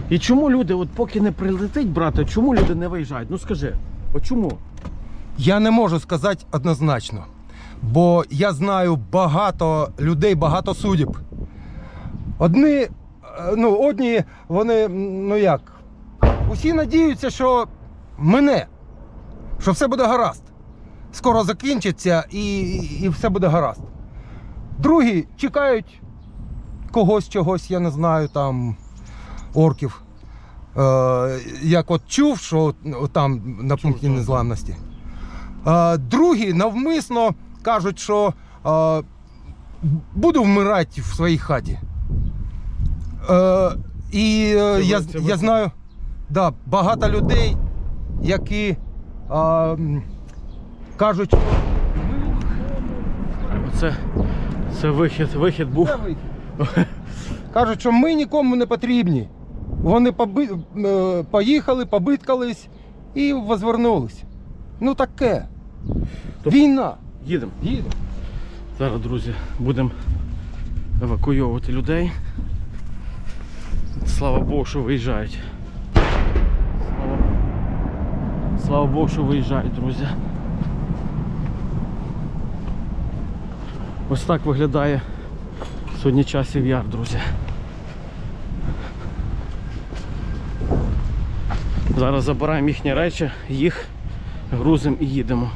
І чому люди, от поки не прилетить, брате, чому люди не виїжджають? Ну скажи, от чому? Я не можу сказати однозначно, бо я знаю багато людей, багато судеб. Одні, вони, усі надіються, що що все буде гаразд. Скоро закінчиться і все буде гаразд. Другі чекають чогось, я не знаю, там, орків. Як от чув, що там на пункті незламності. Другі навмисно кажуть, що буду вмирати в своїй хаті. Я знаю багато людей, які кажуть, Це вихід був. Кажуть, що ми нікому не потрібні. Вони поїхали, побиткались і возвернулись. Ну таке. Війна. Їдемо. Зараз, друзі, будемо евакуйовувати людей. Слава Богу, що виїжджають. Слава Богу, що виїжджають, друзі. Ось так виглядає сьогодні Часів Яр, друзі. Зараз забираємо їхні речі, їх грузимо і їдемо.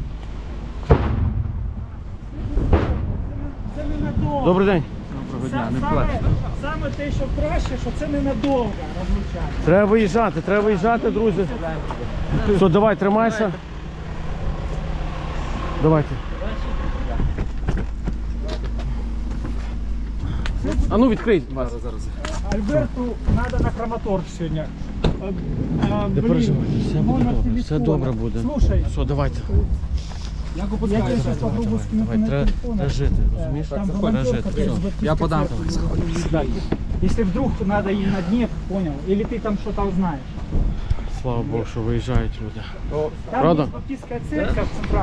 Це ненадовго. Добрий день. Доброго дня, не плачте. Саме те, що краще, що це ненадовго розлучання. Треба виїжджати, друзі. Все, давай, тримайся. Давайте. А ну відкрий. Альберту треба на краматорг сьогодні. Не переживай, все добре буде. Слушай, Все, давайте. я тебе сейчас попробую скинуть на телефон. Треба жити, розумієш? Там Треба волонтерка жити. без Все. Я подам. Если вдруг надо и на Днепр, понял? Или ты там что-то узнаешь. Слава Богу, що виїжджають люди. Там Правда? есть баптистская церковь центральная.